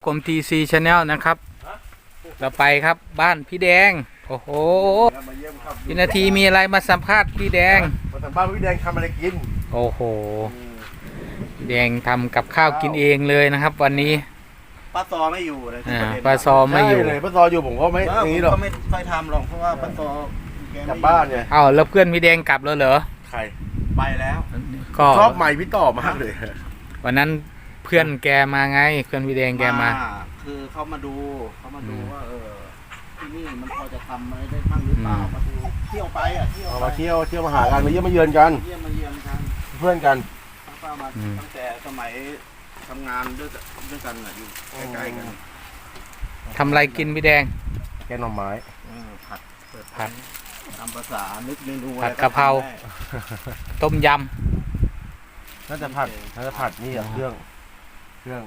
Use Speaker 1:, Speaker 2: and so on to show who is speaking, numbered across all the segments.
Speaker 1: กรม TC Channel นะครับเราไปครับบ้านพี่แดงโอ้โหพี่นาทีมีอะไรมาสัมภาษณ์พี่แดง
Speaker 2: มาสัมภาษณ์พี่แดงทำอะไรกิน
Speaker 1: โอ้โหพี่แดงทำกับข้าวกินเองเลยนะครับวันนี้
Speaker 3: ป้าซอไม่อยู่เลย
Speaker 1: ป้าซอไม่อยู่
Speaker 2: เลยป้าซออยู่ผมก็ไม่อย่างนี้หรอก
Speaker 3: ก็ไม่ค่อยทำหรอกเพราะว่าป้าซอก
Speaker 2: ลับบ้านไง
Speaker 1: อ้าวแล้วเพื่อนพี่แดงกลับแล้วเหรอ
Speaker 2: ใคร
Speaker 3: ไปแล้ว
Speaker 1: ก็
Speaker 2: ชอบใหม่พี่ต่อมากเลย
Speaker 1: วันนั้นเพื่อนแกมาไงเพื่อนพี่แดงแกมา
Speaker 3: คือเขามาดูว่าที่นี่มันพอจะทำอะไรได้บ้างหรือเปล่ามาดูเที่ยวไปเที่ยว
Speaker 2: มาเที่ยวมาหากันมาเยี่ยมมาเยือนกันเพื่อนกัน
Speaker 3: ป้ามาตั้งแต่สมัยทำงานด้วยกันอยู่ใกล้ๆกัน
Speaker 1: ทำอะไรกินพี่แดง
Speaker 2: แกงหน่อไม้
Speaker 1: ผัด
Speaker 3: ตามภาษานึกเมนู
Speaker 1: ผัดกะเพราต้มย
Speaker 2: น่าจะผัดนี่เครื่อง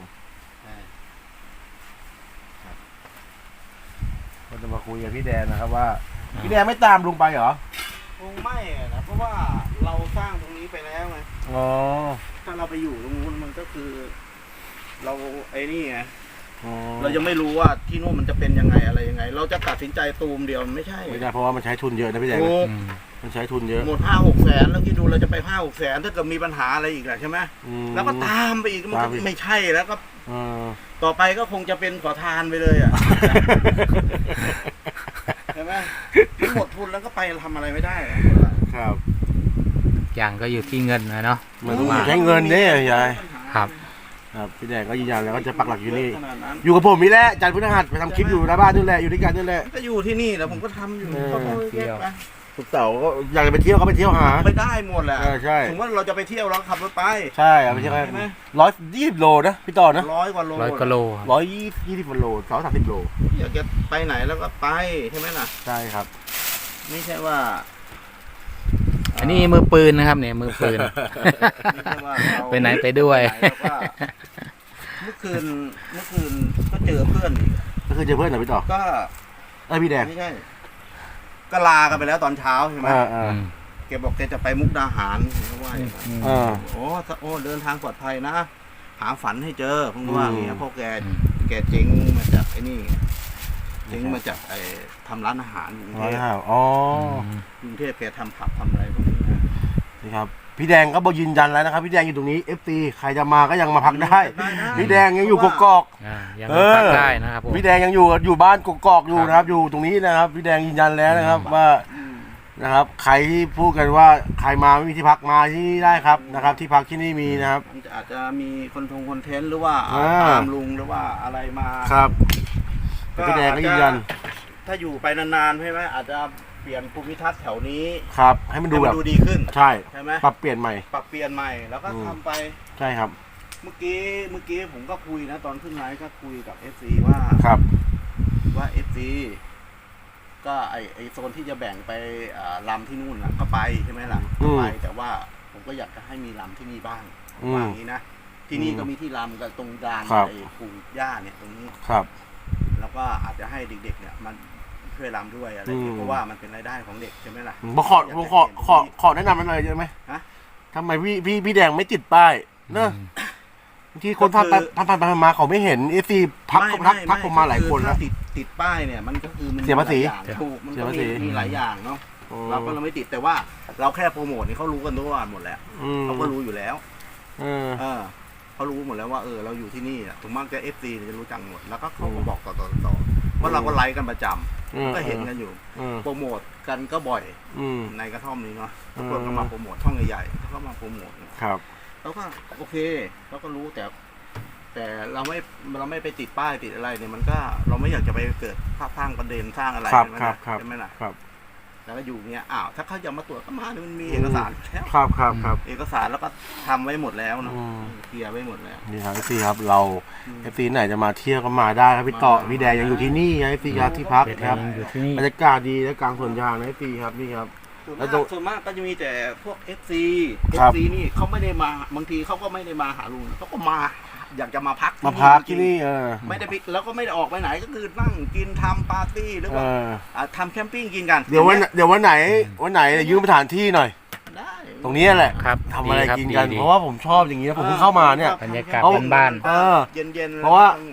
Speaker 2: เราจะมาคุยกับพี่แดงนะครับว่าพี่แดงไม่ตามลุงไปเหรอ
Speaker 3: คงไม่นะเพราะว่าเราสร้างตรงนี้ไปแล้วไง
Speaker 2: อ๋อ
Speaker 3: ถ้าเราไปอยู่ตรงนู้นมันก็คือเราไอ้นี่ไงเรายังไม่รู้ว่าที่นู่นมันจะเป็นยังไงอะไรยังไงเราจะตัดสินใจตูมเดียวไม่ใช่
Speaker 2: เพราะว่ามันใช้ทุนเยอะนะพี่แดงมันใช้ทุนเยอะ
Speaker 3: หมด5-6 แสนแล้วคิดดูเราจะไป5-6 แสนถ้าเกิดมีปัญหาอะไรอีกแหละใช่ไหมแล้วก็ตามไปอีกมันก็ไม่ใช่แล้วก็ต่อไปก็คงจะเป็นขอทานไปเลยอ่ะใช่ไหมมันหมดทุนแล้วก็ไปทำอะไรไม่ได้
Speaker 2: ครับ
Speaker 1: อย่างก็อยู่ที่เงินนะเนาะ
Speaker 2: มันต้องใช้เงินเนี่ยยาย
Speaker 1: ครับ
Speaker 2: พี่แดงก็ยืนยันแล้วก็จะปักหลักอยู่นี่อยู่กับผมนี่แหละจันทร์พฤหัสไปทำคลิปอยู่หน้าบ้านนี่แหละอยู่ด้วยกันนี่แหละ
Speaker 3: ก็อยู่ที่นี่แล้วผมก็ทำอยู่ก็เที่ยว
Speaker 2: ทุกเสาร์ก็อยากจะไปเที่ยวก็ไปเที่ยวหา
Speaker 3: ไปได้หมดแหละ
Speaker 2: ใช่
Speaker 3: สมมติว่าเราจะไปเที่ยวเราขับรถไป
Speaker 2: ใช่ไปเที่ยวไหม120 โลนะพี่ต่อนะ
Speaker 3: 100 กว่าโล
Speaker 2: 120 โล230 โล
Speaker 3: อยากจะไปไหนแล้วก็ไปใช่ไหมล่ะ
Speaker 2: ใช่ครับ
Speaker 3: ไม่ใช่ว่า
Speaker 1: อันนี้มือปืนนะครับเนี่ยมือปืนไปไหนไปด้วย
Speaker 3: เมื่อคืนก็เจอเพื่อนอีก
Speaker 2: ก็คือเจอเพื่อนเหรอพี่ต่อ
Speaker 3: ก็
Speaker 2: พี่แดง
Speaker 3: ไม่ใช่ก็ลากันไปแล้วตอนเช้าใช่ไหมแกบอกแกจะไปมุกดาหารว่าโอ้เดินทางปลอดภัยนะหาฝันให้เจอเพราะว่าอย่างเงี้ยพวกแกเจ๊งมาจากไอ้นี่เจ๊งมาจากไอ้ทำร้านอาหารกรุงเทพกรุงเทพแกทำผับทำอะไรพวกนี้
Speaker 2: นี่ครับพี่แดงก็บอกยืนยันแล้วนะครับพี่แดงอยู่ตรงนี้ FC ใครจะมาก็ยังมาพักได้พี่แดงยังอยู่กกอก
Speaker 1: ยังพักได้นะครับ
Speaker 2: พี่แดงยังอยู่บ้านกกอกอยู่นะครับอยู่ตรงนี้นะครับพี่แดงยืนยันแล้วนะครับว่านะครับใครที่พูดกันว่าใครมาไม่มีที่พักมาที่นี่ได้ครับนะครับที่พักที่นี่มีนะครับ
Speaker 3: อาจจะมีคอนเทนต์หรือว่าตามลุงหรือว่าอะไรมา
Speaker 2: ครับพี่แดงก็ยืนยัน
Speaker 3: ถ้าอยู่ไปนานๆใช่ไหมอาจจะเปลี่ยนภูมิทัศน์แถวนี้
Speaker 2: ครับให้มันดูแบบ
Speaker 3: ดีขึ้น
Speaker 2: ใช่ไหมปรับเปลี่ยนใหม่
Speaker 3: แล้วก็ทำไป
Speaker 2: ใช่ครับ
Speaker 3: เมื่อกี้ผมก็คุยนะตอนขึ้นไลฟ์ก็คุยกับ FC ว่าFC ก็ไอโซนที่จะแบ่งไปลำที่นู่นนะก็ไปใช่ไหมล่ะไปแต่ว่าผมก็อยากจะให้มีลำที่นี่บ้างว่าอย่างนี้นะที่นี่ก็มีที่ลำกับตรงกลางไอ้ปลูกหญ้าเนี่ยตรงนี้
Speaker 2: ครับ
Speaker 3: แล้วก็อาจจะให้เด็กๆเนี่ยมันช่วยรำด้วยอะไรเพราะว่ามันเป็นรายได้ของเด็กใช่ไหมล่ะ
Speaker 2: ขอแนะนำมันหน่อยได้ไหมทำไมพี่แดงไม่ติดป้ายเนอะที่คนผ่านไปมาเขาไม่เห็นซีพักผมมาหลายคนแล้ว
Speaker 3: ติดป้ายเนี่ยมันก็คือมัน
Speaker 2: เสียภาษี
Speaker 3: ถูกมันก็มีหลายอย่างเนาะเราก็เราไม่ติดแต่ว่าเราแค่โปรโมทนี่เขารู้กันทุกวันหมดแล้วเขาก็รู้อยู่แล้วเขารู้หมดแล้วว่าเราอยู่ที่นี่ถึงมากจะ FC จะรู้จักหมดแล้วก็เขาก็บอกต่อว่าเราก็ไลฟ์กันประจำก็เห็นกันอยู่โปรโมทกันก็บ่อยในกระท่อมนี้เนาะทุกคนก็มาโปรโมทช่องใหญ่ๆเขาก็มาโปรโมท
Speaker 2: ครับ
Speaker 3: แล้วก็โอเคเราก็รู้แต่เราไม่ไปติดป้ายติดอะไรเนี่ยมันก็เราไม่อยากจะไปเกิดสร้างประเด็นสร้างอะไรใช่ไหมล่ะแล้วก็อยู่เงี้ยถ้าเขาจะมาตรวจก็มาเนี่ยมันมีเอกสารแล้ว
Speaker 2: ครับ
Speaker 3: เอกสารแล้วก็ทำไว้หมดแล้วเนาะเคลียร์ไว้หมดแล้ว
Speaker 2: นี่ครับพี่ครับเราพี่ไหนจะมาเที่ยวก็มาได้ครับพี่ต่อพี่แดงยังอยู่ที่นี่ครับพี่ครับที่พักครับบรรยากาศดีและกลางสวนยางนะพี่ครับนี่ครับ
Speaker 3: แล้วส่วนมากก็จะมีแต่พวก FC นี่เขาไม่ได้มาบางทีเขาก็ไม่ได้มาหาลุงเขาก็มาอยากจะมาพัก
Speaker 2: ที่นี่
Speaker 3: ไม่ได้แล้วก็ไม่ได้ออกไปไหนก็คือนั่งกินทำปาร์ตี้หรือว่าทำแคมปิ้งกินกัน
Speaker 2: เดี๋ยววันไหนยืมสถานที่หน่อย
Speaker 3: ได้
Speaker 2: ตรงนี้แหละทำอะไรกินกันเพราะว่าผมชอบอย่างนี้ผมเพิ่งเข้ามาเนี่ย
Speaker 1: บรรยากาศบ้าน
Speaker 3: เย็น
Speaker 2: เพราะว่า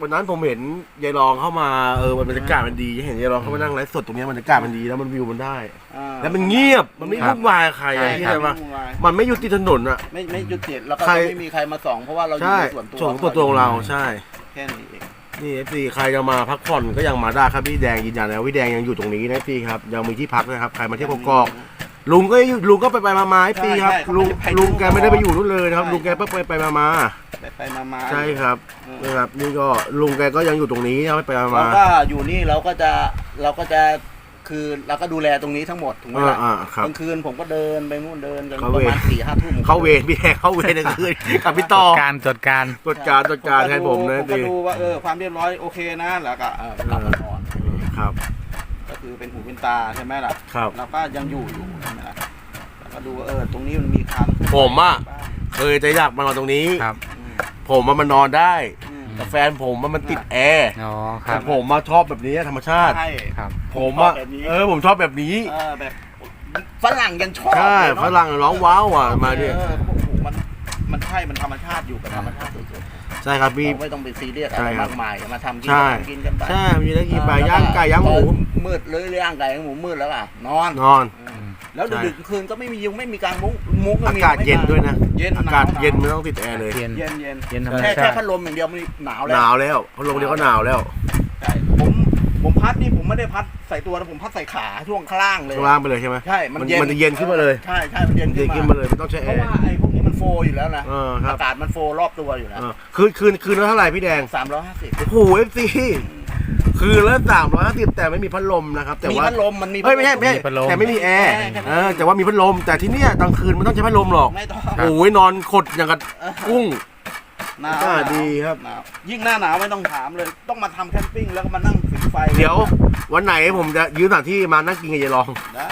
Speaker 2: วันนั้นผมเห็นยายรองเข้ามาบรรยากาศมันดีเห็นยายรองเข้ามานั่งไลฟ์สดตรงนี้บรรยากาศมันดีแล้วมันวิวมันได้ แล้วมันเงียบมันไม่วุ่นวายใครอะที่ไหนวะมันไม่อยู่ติดถนนอะ
Speaker 3: ไม่หยุดติดแล้วก็ไม่มีใครมาส่องเพราะว่าเราอยู่
Speaker 2: ใช่
Speaker 3: ในส่วนตัว
Speaker 2: ส่วนตัวของเราใช่
Speaker 3: แค่นี้เอง
Speaker 2: นี่FC ใครจะมาพักผ่อนก็ยังมาได้ครับพี่แดงยืนยันนะพี่แดงยังอยู่ตรงนี้นะพี่ครับยังมีที่พักนะครับใครมาเที่ยวกอกลุงก็อยู่ลุงก็ไปมาๆพี่ครับลุงแกไม่ได้ไปอยู่นู่นเลยนะครับลุงแกไปมา
Speaker 3: ไปมา
Speaker 2: ใช่ครับนะครับนี่ก็ลุงแกก็ยังอยู่ตรงนี้นะไปมา
Speaker 3: เราก็อยู่นี่เราก็จะคือเราก็ดูแลตรงนี้ทั้งหมดถูกไหมล่ะ
Speaker 2: ครับ
Speaker 3: กลางคืนผมก็เดินไปนู่นเดินกัน
Speaker 2: เข้า
Speaker 3: ป
Speaker 2: เวร
Speaker 3: ระมาณ4-5 ทุ่ม
Speaker 2: เข้าเวรพี่แดงเข้าเวรกลางคืนกับพี่ต่อ
Speaker 1: ตรวจการ
Speaker 2: ตรวจการแทนผมนะ
Speaker 3: ผมก็ดูว่าความเรียบร้อยโอเคนะแล้วก็กลับมานอน
Speaker 2: ครับ
Speaker 3: ก็คือเป็นหูเป็นตาใช่ไหมล่ะ
Speaker 2: ครับ
Speaker 3: เราก็ยังอยู่ใช่ไหมล่ะแล้วก็ดูว่าตรงนี้มันมีคาน
Speaker 2: ผมอะ เคยจะอยากมานอนตรงนี้
Speaker 1: ครับ
Speaker 2: ผมมันนอนได้แต่แฟนผมมันติดแอร์
Speaker 1: อ๋อค
Speaker 2: แต่
Speaker 1: รับ
Speaker 2: ผมมาชอบแบบนี้ธรรมชาติ
Speaker 3: ใช่
Speaker 1: ครับ
Speaker 2: ผมอะผมชอบแบบนี้
Speaker 3: แบบฝรั่งยังชอบ
Speaker 2: ใช่
Speaker 3: เลยเนอะ
Speaker 2: ฝรั่งร้องว้าวอ่ะมาดิ
Speaker 3: เขาบอกโอ้โหมันใช่มันธรรมชาติอยู่กับธรรมชาติสุด
Speaker 2: ใช่ครับ
Speaker 3: ๆ
Speaker 2: พี่
Speaker 3: เราไม่ต้องไปซีเรียสอะ
Speaker 2: ใช่
Speaker 3: ไร
Speaker 2: ครับ
Speaker 3: มากมายมาทำกิน
Speaker 2: ใช่
Speaker 3: กินกันไป
Speaker 2: ใช่มีได้กินปลาย่างไก่ย่างหมู
Speaker 3: มืดเลยย่างไก่ย่างหมูมืดแล้วอ่ะนอน
Speaker 2: นอน
Speaker 3: แล้ว
Speaker 2: ใช่
Speaker 3: ดึกๆคืนก็ไม่มียุงไม่มีการมุ้ง
Speaker 2: อากาศเย็นด้วยนะ
Speaker 3: เย็น
Speaker 2: อากาศเย็นไม่ต้องติดแอร์เลย
Speaker 1: เย็น
Speaker 3: เย็น
Speaker 1: เย็นธรรม
Speaker 3: แค่
Speaker 1: ชาติ
Speaker 3: พัดลมอย่างเดียวมันหนาว
Speaker 2: ห
Speaker 3: แล้ว
Speaker 2: นาวแล้วพัดลมเดียวก็หนาวแล้ว
Speaker 3: ใช่ผมพัดนี่ผมไม่ได้พัดใส่ตัวนะผมพัดใส่ขาช่วงข้างล่างเลย
Speaker 2: ข้างล่างไปเลยใช่ไหม
Speaker 3: ใช่มันเย็น
Speaker 2: มันจะเย็นขึ้นมาเลย
Speaker 3: ใช่มันเย็น
Speaker 2: เย็นขึ้
Speaker 3: ขึ้
Speaker 2: น
Speaker 3: น
Speaker 2: มา
Speaker 3: มา
Speaker 2: เลยไม่ต้องใช้
Speaker 3: เพ
Speaker 2: แอ
Speaker 3: ราะ
Speaker 2: ร์
Speaker 3: ว่าไอ้พวกนี้มันโฟอยู่แล้วนะ
Speaker 2: ครับ
Speaker 3: อากาศมันโฟรอบตัวอยู่แล้ว
Speaker 2: คืนละเท่าไหร่พี่แดง
Speaker 3: 350
Speaker 2: โอ้โห FC คืนละ350แต่ไม่มีพัดลมนะครับแต่
Speaker 3: มี
Speaker 2: ว่า
Speaker 3: พัดลมมันมี
Speaker 2: เฮ้ยไม่ใช่
Speaker 1: มีพัดลม
Speaker 2: แต่ไม่มีแอร์แต่ว่ามีพัดลมแต่ที่เนี้ยกลางคืนมันต้องใช้พัดลมหรอก
Speaker 3: ไม่ต้อง
Speaker 2: โอ้ยนอนขดอย่างกับกุ้ง
Speaker 3: หนาว
Speaker 2: ก็ดีครับ
Speaker 3: หนาวยิ่งหน้าหนาวไม่ต้องถามเลย ต้องมาทำแคมปิ้งแล้วก็มานั่งผิงไฟ
Speaker 2: เดี๋ยววันไหนผมจะยืมสถานที่มานั่งกินกับยายรอง
Speaker 3: ได้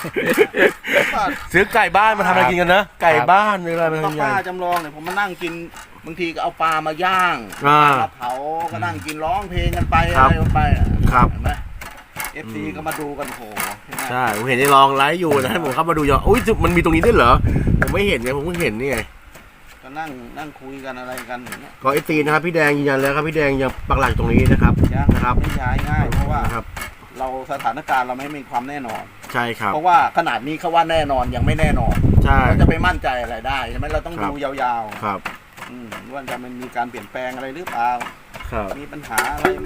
Speaker 2: ซื้อไก่บ้านมาทำอะไรกินกันนะไก่บ้านหรืออะไรมา
Speaker 3: ป้า
Speaker 2: ทำยังไง
Speaker 3: ป้าจำลองเนี่ยผมมานั่งกินบางทีก็เอาปลามาย่าง
Speaker 2: อ่า
Speaker 3: ปลาเผาก็นั่งกินร้องเพลงกันไป
Speaker 2: ครั
Speaker 3: อะ
Speaker 2: บ
Speaker 3: ไรกันไปอะ
Speaker 2: ครับ
Speaker 3: เห็นไหม FC ก็มาดูกันโหเห็นไหม
Speaker 2: ใช่ผมเห็นยายรองไลฟ์อยู่นะให้ผมเข้ามาดูยออุ้ยมันมีตรงนี้ด้วยเหรอผมไม่เห็นไงผมเพิ่งเห็นนี่ไง
Speaker 3: ก็นั่งคุยกันอะไรกันอย่างเงี้ย
Speaker 2: ก็ไอตีนะครับพี่แดงยืนยันแล้วครับพี่แดงยังปักหลักตรงนี้นะครับ
Speaker 3: ยัง
Speaker 2: นะครับ
Speaker 3: ไม่ย้ายง่ายเพราะว่า
Speaker 2: นะครับ
Speaker 3: เราสถานการณ์เราไม่มีความแน่นอน
Speaker 2: ใช่ครับ
Speaker 3: เพราะว่าขนาดนี้เขาว่าแน่นอนยังไม่แน่นอน
Speaker 2: ใช่
Speaker 3: เราจะไปมั่นใจอะไรได้ใช่ไหมเราต้อง
Speaker 2: ครับ
Speaker 3: ดูยาว
Speaker 2: ครับ
Speaker 3: ๆว่าจะมันมีการเปลี่ยนแปลงอะไรหรือเปล่า
Speaker 2: ครับ
Speaker 3: มีปัญหาอะไรไหม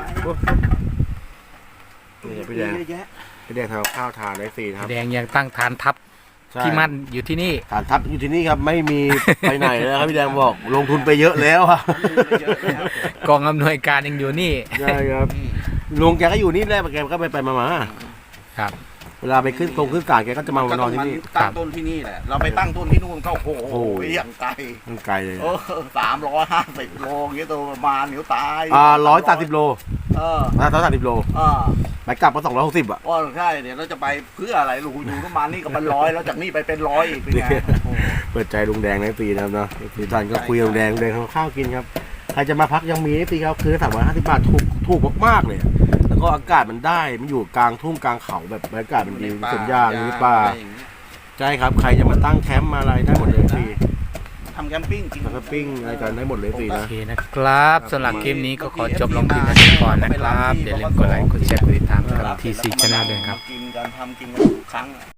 Speaker 2: นี่พี่แดง
Speaker 3: เยอะแยะ
Speaker 2: พี่แดงทำข้าวทานได้ฟรีนะครับ
Speaker 1: แดงยังตั้งฐานทัพ
Speaker 2: ใช่
Speaker 1: ที่มั่นอยู่ที่นี่
Speaker 2: ฐานทัพอยู่ที่นี่ครับไม่มี ไปไหนเลยครับพี่แดงบอกลงทุนไปเยอะแล้วอะ
Speaker 3: เยอะแล้ว
Speaker 1: กองอำนวยการยังอยู่นี่
Speaker 2: ใช่ครับลุงแกก็อยู่นี่แหละแกก็ไปมา
Speaker 1: ครับ
Speaker 2: เวลาไปขึ้นศาลแกก็จะมานอนที่นี่
Speaker 3: ตั้งต้นที่นี่แหละเราไปตั้งต้นที่นู่นก็โอ้โหอย่างไกล
Speaker 2: มันไกลเลย
Speaker 3: 350 โลอย่างเงี้ยตัวประมาณนิ้วตาย
Speaker 2: 130 โล 130 โล ไปกลับก็260อ่ะ
Speaker 3: ว่าใช่เดี๋ยวเราจะไปเพื่ออะไรลูกอยู่ประมาณนี้ก็เป็น100แล้วจากนี่ไปเป็น100อีกเป็นไง
Speaker 2: เปิดใจลุงแดงในปีนะครับเนาะปีท่านก็คุยกับลุงแดงทำข้าวกินครับใครจะมาพักยังมีปีครับคือ350 บาทถูกมากๆเลยแล้วก็อากาศมันได้มันอยู่กลางทุ่งกลางเขาแบบบรรยากาศมันดีสวนยางมีป่าใช่ครับใครจะมาตั้งแคมป์มาอะไรได้หมดเลยฟรี
Speaker 3: ทำแคมปิ้งกิน
Speaker 2: แคมปิ้งอะไรกันได้หมดเลยฟรี
Speaker 1: โอ
Speaker 2: นะ
Speaker 1: เคนะครับสำหรับคลิปนี้ก็ขอจบลงเพียงเท่านี้ก่อนนะครับอย่าลืมกดไลค์กดแชร์กดติดตามกับ TC Channel ด้วยครับ
Speaker 3: กินกันทำกินกันทุกครั้ง